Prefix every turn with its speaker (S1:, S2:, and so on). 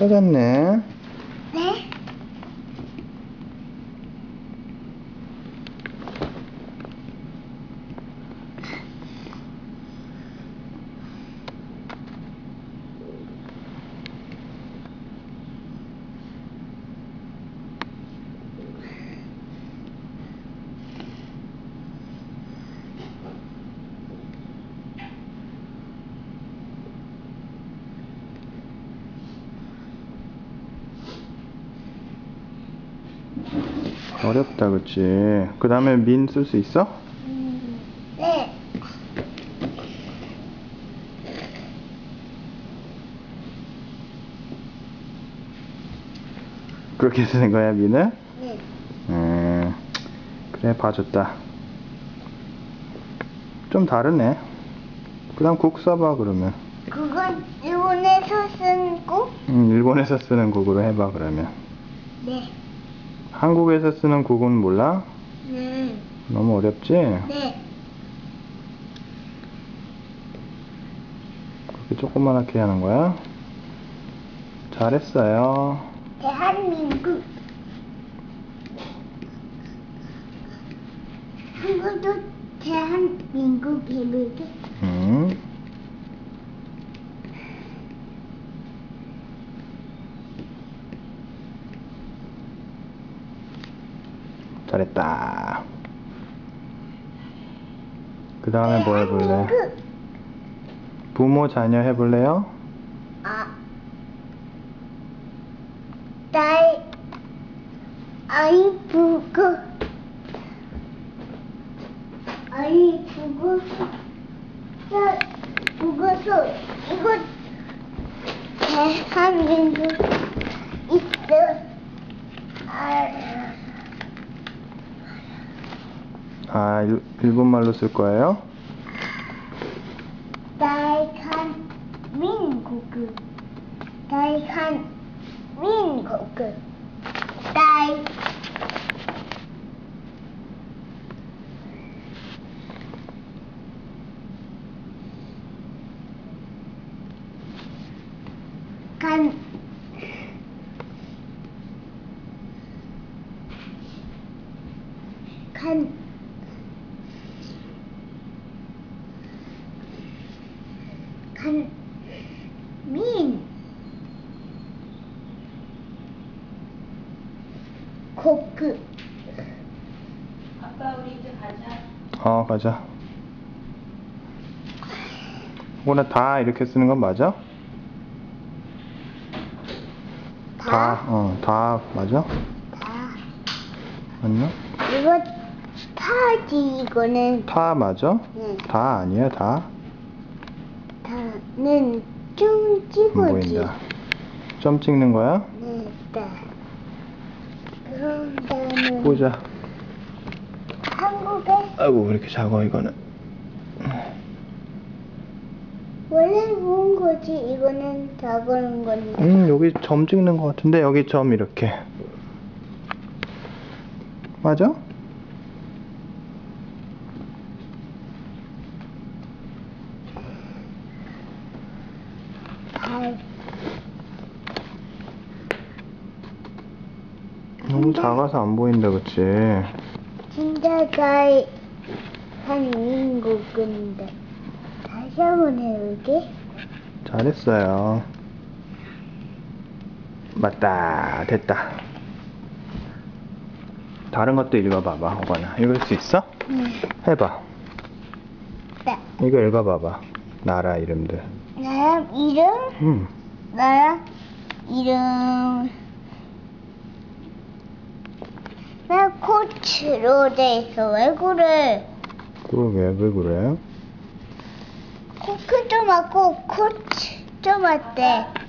S1: 찾았네.
S2: 네?
S1: 어렵다, 그치? 그 다음에 민 쓸 수 있어?
S2: 네.
S1: 그렇게 쓰는 거야, 민을?
S2: 네.
S1: 그래, 봐줬다. 좀 다르네. 그 다음 국 써봐, 그러면.
S2: 그건 일본에서 쓴 거?
S1: 일본에서 쓰는 국으로 해봐, 그러면.
S2: 네.
S1: 한국에서 쓰는 국은 몰라?
S2: 네.
S1: 너무 어렵지?
S2: 네.
S1: 그렇게 조그맣게 하는 거야? 잘했어요.
S2: 대한민국. 한국도 대한민국이거든.
S1: 잘했다. 그 다음에 뭐 해볼래?
S2: 대한민국.
S1: 부모 자녀 해볼래요?
S2: 아이 부고 부고서 이거 대한민국 있어.
S1: 일본말로 쓸 거예요?
S2: 대한민국 민국.
S3: 아빠 우리 이제 가자.
S1: 가자. 혹은 다 이렇게 쓰는 건 맞아? 다 맞아?
S2: 다.
S1: 맞나?
S2: 이거 타지 이거는.
S1: 타 맞아?
S2: 응.
S1: 다 아니야, 다?
S2: 다는 좀
S1: 안
S2: 찍어지.
S1: 보인다. 점 찍는 거야?
S2: 네, 네. 그런 다음에
S1: 보자.
S2: 한국에
S1: 아이고, 왜 이렇게 작아, 이거는.
S2: 원래 본 거지. 이거는 다 그런 건데.
S1: 여기 점 찍는 거 같은데, 여기 점 이렇게. 맞아? 너무 작아서 안 보인다, 그치?
S2: 진짜 대한민국인데. 다시 한번 해볼게.
S1: 잘했어요. 맞다. 됐다. 다른 것도 읽어봐봐, 호건아. 읽을 수 있어? 해봐.
S2: 네.
S1: 이거 읽어봐봐. 나라 이름들.
S2: 나라 이름? 나라 이름. 나 코치로 돼 있어. 왜 그래?
S1: 그러게, 왜 그래?
S2: 코크 좀 맞고 코치 좀 어때?